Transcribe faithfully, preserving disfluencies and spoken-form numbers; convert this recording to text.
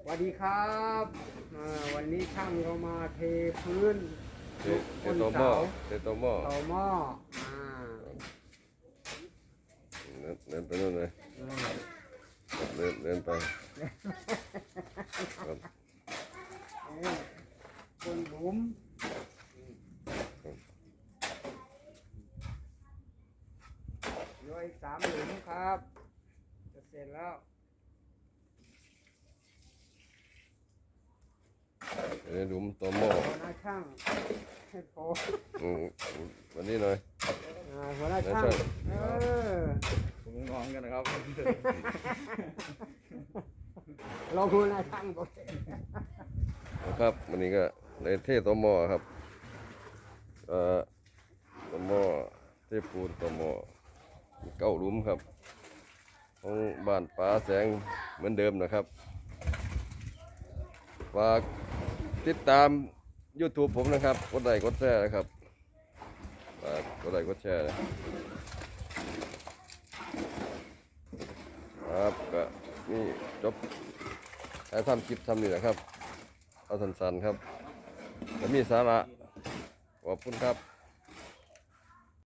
สวัสดีครับอ่าวันนี้ช่างเรามาเทพื้นเทเทโตหม้อเทโตหม้อเสาหม้ออ่าเดินเดินไปนู่นเลยอืมเดินเดินไปครับนี่คนหลุมเหลืออีกสามหลุมครับ จะเสร็จแล้วเดินหลุมโตหม้อหัวหน้าช่างให้โผล่อืมวันนี้หน่อยอ่าหัวหน้าช่างหัวหน้าช่างเออผมงงกันนะครับลองหัวหน้าช่างบอกนะครับวันนี้ก็เลยเทโตหม้อครับเอ่อโตหม้อเทปูนโตหม้อเก้าหลุมครับของบ้านป๋าแสงเหมือนเดิมนะครับฝากติดตาม YouTube ผมนะครับกดไลค์กดแชร์นะครับฝากกดไลค์กดแชร์นะครับก็นี่จบถ่ายทำคลิปทำนี่แหละครับเอาสั้นๆครับจะมีสาระขอบคุณครับ